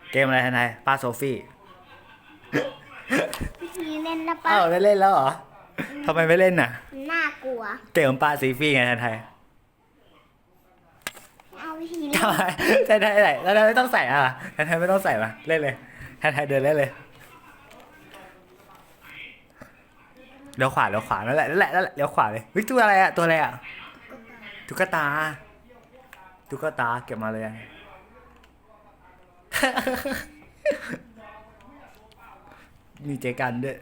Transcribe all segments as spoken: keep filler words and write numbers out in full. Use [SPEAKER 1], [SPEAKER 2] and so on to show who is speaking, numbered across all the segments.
[SPEAKER 1] เกมอะไรทนายป้าโซฟี่
[SPEAKER 2] พี่ทีเล่นแล้วปะ
[SPEAKER 1] อ้าวได้เล่นแล้วเหรอทำไมไม่เล่นน่ะ
[SPEAKER 2] น่ากลัว
[SPEAKER 1] เกมป้าซีฟี่ไงทนาย
[SPEAKER 2] เอาพี่ทีเล่น
[SPEAKER 1] ทำไมทนายไหนทนายไม่ต้องใส่อ่ะทนายไม่ต้องใส่มาเล่นเลยทนายเดินเล่นเลยเลี้ยวขวาเลี้ยวขวานั่นแหละนั่นแหละนั่นแหละเลี้ยวขวาเลยวิตัวอะไรอ่ะตัวอะไรอ่ะตุ๊กตาตุ๊กตาเก็บมาเลยมีเจกันด้วย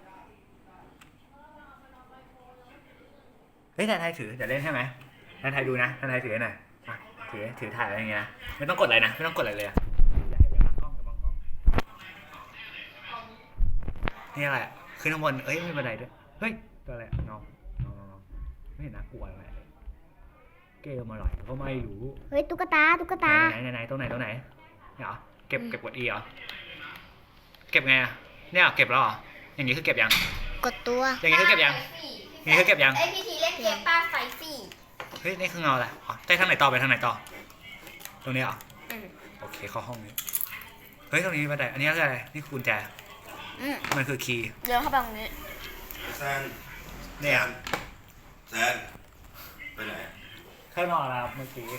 [SPEAKER 1] เฮ้ยนายไทยถือเดี๋ยวเล่นใช่ไหมนายไทยดูนะนายไทยถือหน่อยถือถือถ่ายอะไรอย่างเงี้ยนะไม่ต้องกดอะไรนะไม่ต้องกดอะไรเลยอะอย่าอย่าบังกล้องอย่าบังกล้องนี่อะไรอะขึ้นข้างบนเอ้ยไม่เป็นไรด้วยเฮ้ยตัวอะไรน้องน้องน้องไม่เห็นน่ากลัวอะไรเกมอะไรก็ไม่รู้
[SPEAKER 2] เฮ้ยตุ๊กตาตุ๊กตา
[SPEAKER 1] ไหนไหนไหนตรงไหนตรงไหนเนี่ยเหรอเก็บเก็บกด E เหรอเก็บไงอะเนี่ยเก็บแล้วเหรออย่างนี้คือเก็บยัง
[SPEAKER 2] กดตัว
[SPEAKER 1] อย่างนี้คือเก็บยังอย่างนี้คือเก็บยัง
[SPEAKER 3] ไอพี่ทีเล่นเกมป้าไฟฟี่
[SPEAKER 1] เฮ้ยนี่คือเงาอะไรอ๋อได้ทางไหนต่อไปทางไหนต่อตรงนี้เหรอ
[SPEAKER 3] อืม
[SPEAKER 1] โอเคเข้าห้องนี้เฮ้ยตรงนี้บันไดอันนี้คืออะไรนี่คือกุญแจ
[SPEAKER 3] อืม
[SPEAKER 1] มันคือคีย์
[SPEAKER 3] เดินเข้าไปตรงนี้
[SPEAKER 4] แซน
[SPEAKER 1] เนี่ย
[SPEAKER 4] แซนไปไหน
[SPEAKER 1] ข้างนอกแล้วเมื่อกี้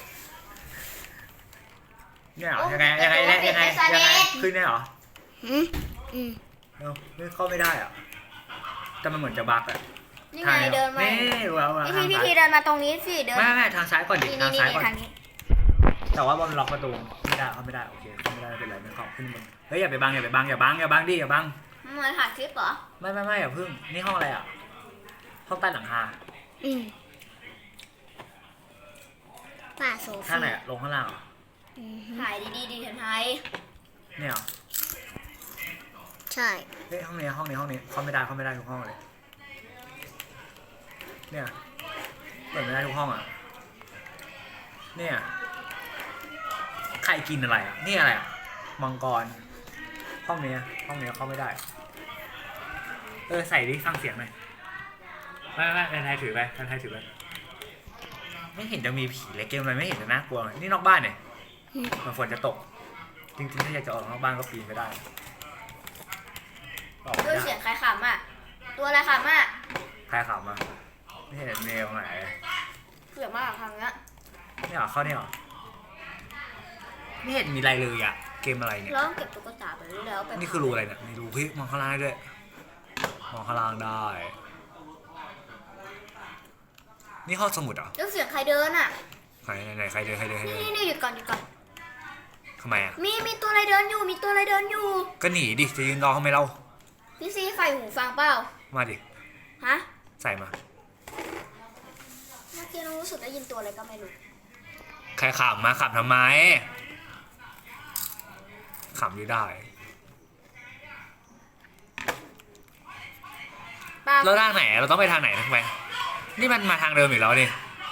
[SPEAKER 1] เนี่ยเหรอยังไงยังไงยังไงยังไงยังไงขึ้นเนี่ยเหรอ
[SPEAKER 2] อืมอืม
[SPEAKER 1] เอ้าไม่เข้าไม่ได้อ่ะแต่มันเหมือนจะบั๊กอ่ะ
[SPEAKER 3] นี่ไงเดินมา
[SPEAKER 1] นี่เราเรา
[SPEAKER 3] พี่ที
[SPEAKER 1] ทาง
[SPEAKER 3] พี่
[SPEAKER 1] ซ้า
[SPEAKER 3] ที
[SPEAKER 1] ย
[SPEAKER 3] เดินมาตรงนี้สิเดิน
[SPEAKER 1] ไม่ไม่ทางซ้ายก่อนดิ
[SPEAKER 3] นี่
[SPEAKER 1] ทาง
[SPEAKER 3] นี่
[SPEAKER 1] ซ้าย
[SPEAKER 3] นี่
[SPEAKER 1] ก่อน
[SPEAKER 3] ทางนี้
[SPEAKER 1] แต่ว่าบอลล็อกประตูไม่ได้เขาไม่ได้โอเคเขาไม่ได้ไม่เป็นไรไม่เข้าขึ้นบนเฮ้ยอย่าไปบังอย่าไปบังอย่าบังอย่าบังดิอย่าบัง
[SPEAKER 3] มันเหมือนถ่ายคลิปเหรอ
[SPEAKER 1] ไม่ไม่ไม่อย่าพึ่งนี่ห้องอะไรอ่ะห้องใต้หลังคา
[SPEAKER 2] อืมป่าโซฟี
[SPEAKER 1] ข้างไหนอะลงข้างล่างเหรอ
[SPEAKER 2] อืม
[SPEAKER 3] ถ่ายดีๆดีเถอะไทย
[SPEAKER 1] เนี่ยเหรอ
[SPEAKER 2] ใช่
[SPEAKER 1] เฮ้ยห้องนี้ห้องนี้ห้องนี้เข้าไม่ได้เข้าไม่ได้ทุกห้องเลยเนี่ยเปิดไม่ได้ทุกห้องอ่ะเนี่ยใครกินอะไรอ่ะนี่อะไรอ่ะมังกรห้องนี้ห้องนี้เข้าไม่ได้เออใส่ดิฟังเสียงหน่อยไม่ไม่ไม่ไทยถือไปไทยถือไปไม่เห็นจะมีผีเลยเกมอะไรไม่เห็นจะน่ากลัวนี่นอกบ้านเนี่ยมันฝนจะตกจริงๆถ้าอยากจะออกนอกบ้านก็ปีนไปได้ออกไม่
[SPEAKER 3] ด้วย
[SPEAKER 1] ได้
[SPEAKER 3] เสียงใครขำอ่ะตัวอะไรขำอ่ะ
[SPEAKER 1] ใครขับมาไม่เห็นเมลไหน
[SPEAKER 3] เสียงมากทางเนี้ย
[SPEAKER 1] นี่เหรอเข้านี่เหรอไม่เห็นมีอะไรเลยอะเกมอะไรเนี่ย
[SPEAKER 3] เราต้องเก็บตุ๊กตาไปเรื่อยๆแล้วไป
[SPEAKER 1] นี่คือรูอะไรเนี่ยมีรูเฮ้ยมองข้างล่างได้ด้วยมองข้างล่างได้นี่ห้องสมุดเหรอ
[SPEAKER 3] แล้วเสียงใครเดินอ่ะ
[SPEAKER 1] ใครไหนไหนใครเดินใครเดินใครเดิน
[SPEAKER 3] นี่นี่หยุดก่อนหยุดก่อน
[SPEAKER 1] ทำไมอะ
[SPEAKER 3] มีมีตัวอะไรเดินอยู่มีตัวอะไรเดินอยู่
[SPEAKER 1] ก็หนีดิจะยืนรอทำไมเรา
[SPEAKER 3] พี่ซีใส่หูฟังเปล่า
[SPEAKER 1] มาดิ
[SPEAKER 3] ฮะ
[SPEAKER 1] ใส่มา
[SPEAKER 3] เมื่อกี้น้องรู้สึกได้ยินตัวอะไรก็ไม่รู้
[SPEAKER 1] ใครขับมาขับทำไมขับอยู่ได้
[SPEAKER 3] ป้า
[SPEAKER 1] แล้วทางไหนเราต้องไปทางไหนทำไมนี่มันมาทางเดิมอีกแล้วดิ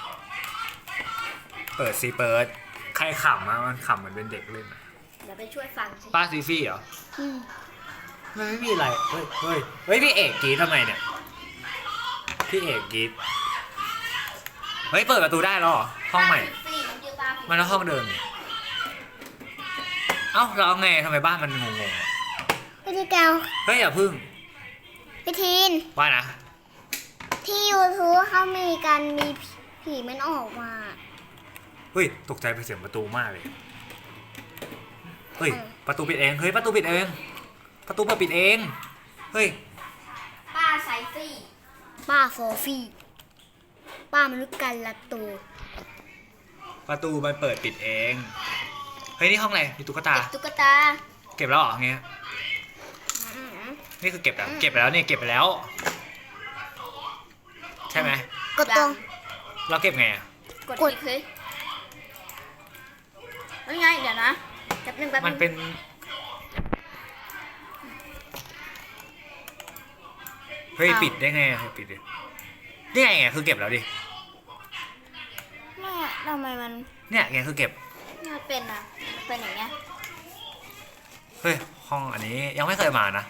[SPEAKER 1] เปิดซีเปิดใครขับมามันขับเหมือนเป็นเด็กเล่นอะ
[SPEAKER 3] เดี๋ยวไปช่วยฟังสิ
[SPEAKER 1] ป้าซีฟี่เหรอ
[SPEAKER 2] อืม
[SPEAKER 1] มันไม่มีอะไร เฮ้ย เฮ้ย เฮ้ย พี่เอกกรีดทำไมเนี่ย พี่เอกกรีดเฮ้ย เปิดประตูได้แล้วเหรอ ห้องใหม่
[SPEAKER 3] สี่มันยืนตา
[SPEAKER 1] มันแล้วห้องเดิมนี่เอ้าเราไงทำไมบ้านมันงงๆอะ
[SPEAKER 2] พี่ทีเกา
[SPEAKER 1] เฮ้ย อย่าพึ่ง
[SPEAKER 2] พี่ทีน
[SPEAKER 1] ว่านะ
[SPEAKER 2] ที่ยูทูบเขามีการมีผีมันออกมา
[SPEAKER 1] เฮ้ย ตกใจไปเสียงประตูมากเลย เฮ้ย ประตูปิดเอง เฮ้ย ประตูปิดเอง ประตูเปิดปิดเอง เฮ้ย
[SPEAKER 3] ป้าไซฟี่
[SPEAKER 2] ป้าโซฟีป้ามนุษย์กันละตัว
[SPEAKER 1] ประตูมันเปิดปิดเอง เฮ้ย นี่ห้องอะไรมีตุ๊กตา
[SPEAKER 3] เก็บตุ๊กตา
[SPEAKER 1] เก็บแล้วเหรอเงี้ย
[SPEAKER 3] อืม
[SPEAKER 1] นี่คือเก็บแล้วเก็บไปแล้วนี่เก็บไปแล้ว ใช่ไหม
[SPEAKER 2] กดตรง
[SPEAKER 1] เราเก็บไงอะ
[SPEAKER 3] กดคลิกเลยแล้วไงเดี๋ยวนะแป๊บนึงแป๊บนึง
[SPEAKER 1] มันเป็น เฮ้ยปิดได้ไงเฮ้ยปิดดินี่ไงคือเก็บแล้วดิ
[SPEAKER 3] แม่ทำไมมัน
[SPEAKER 1] เนี่ยไงคือเก็บ
[SPEAKER 3] มันเป็นอ่ะมันเป็นอย่างเงี้ย
[SPEAKER 1] เฮ้ยห้องอันนี้ยังไม่เคยมานะ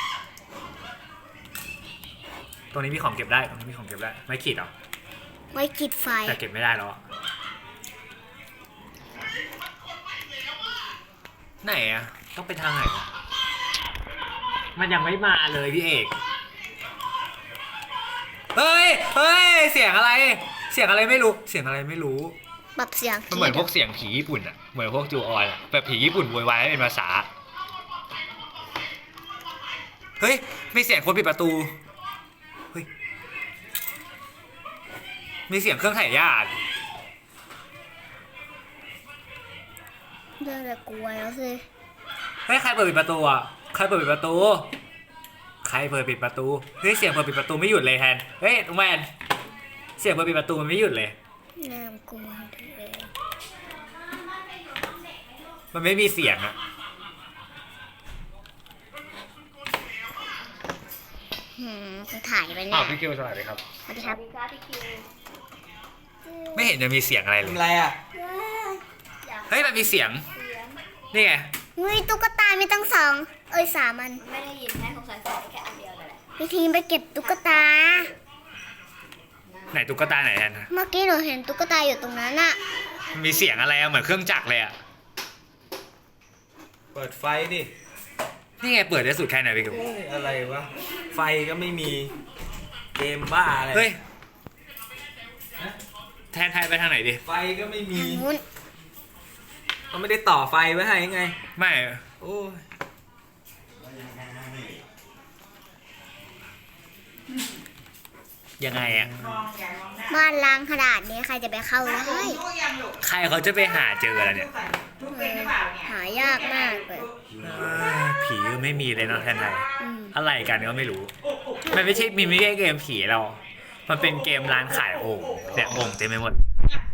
[SPEAKER 1] ตรงนี้มีของเก็บได้ตรงนี้มีของเก็บได้ไม่ขีดหรอ
[SPEAKER 2] ไว้กิดไฟ
[SPEAKER 1] แต่เก็บไม่ได้แล้วอะไหนอะต้องไปทางไหนอะมันยังไม่มาเลยพี่เอกเฮ้ยเฮ้ยเสียงอะไร เสียงอะไรไม่รู้เสียงอะไรไม่รู้
[SPEAKER 2] ปรับเสียง
[SPEAKER 1] มันเหมือนพวกเสียงผีญี่ปุ่นอะเหมือนพวกจูออนอะแบบผีญี่ปุ่นโวยวายให้เป็นภาษาเฮ้ยมีเสียงคนปิดประตูเฮ้ยมีเสียงเครื่องถ่ายญาติ
[SPEAKER 2] เดินแต่กลัวแล้วสิ
[SPEAKER 1] เฮ้ยใครเปิดปิดประตูอ่ะใครเปิดปิดประตูใครเปิดปิดประตูเฮ้ยเสียงเปิดปิดประตูไม่หยุดเลยแทนเฮ้ยน้องแมนเสียงเปิดปิดประตูมันไม่หยุดเลย
[SPEAKER 2] เริ่มกลัวเลย
[SPEAKER 1] มันไม่มีเสียงอ่ะ
[SPEAKER 2] หืมกูถ่ายไปเนี่
[SPEAKER 1] อ้าวย พี่คิวสวัสดีครับ
[SPEAKER 2] สวัสดีครับ
[SPEAKER 1] ไม่เห็นจะมีเสียงอะไรเลย
[SPEAKER 4] ทำไรอ่ะ
[SPEAKER 1] เฮ้ยมันมีเสียงนี่ไง
[SPEAKER 2] เฮ้ยตุ๊กตามีตั้งสองเอ้ยสามอัน
[SPEAKER 3] ไม่ได้ยินแม่ของสายใส่แค่อันเดียวเลยแหละ
[SPEAKER 2] พี่ทีมไปเก็บตุ๊กตา
[SPEAKER 1] ไหนตุ๊กตาไหนแทน
[SPEAKER 2] เมื่อกี้หนูเห็นตุ๊กตาอยู่ตรงนั้นอะ
[SPEAKER 1] มันมีเสียงอะไรอะเหมือนเครื่องจักรเลยอะ
[SPEAKER 5] เปิดไฟดิ
[SPEAKER 1] นี่ไงเปิดได้สุดแค่ไหนพี่คิว
[SPEAKER 5] เอ้ยอะไรวะ ไฟก็ไม่มี เกมบ้าอะไร
[SPEAKER 1] เฮ้ยแทนไทยไปทางไหนดิ
[SPEAKER 5] ไฟก็ไม่มี
[SPEAKER 2] ทางนู้น
[SPEAKER 5] เขาไม่ได้ต่อไฟไว้ให้ไง
[SPEAKER 1] ไม่
[SPEAKER 5] โอ้ย
[SPEAKER 1] ยังไงอะ
[SPEAKER 2] บ้านล้างขนาดนี้ใครจะไปเข้าได้
[SPEAKER 1] ใครเขาจะไปหาเจอแล้วเนี่ย
[SPEAKER 2] เออหายากมากเลย
[SPEAKER 1] เออผีก็ไม่มีเลยเนาะแทนไทย
[SPEAKER 2] อืม
[SPEAKER 1] อะไรกันก็ไม่รู้ มันไม่ใช่มีไม่ใช่เกมผีเรา มันเป็นเกมร้านขายโอ่งเนี่ยโอ่งเต็มไปหมด
[SPEAKER 6] อ่ะ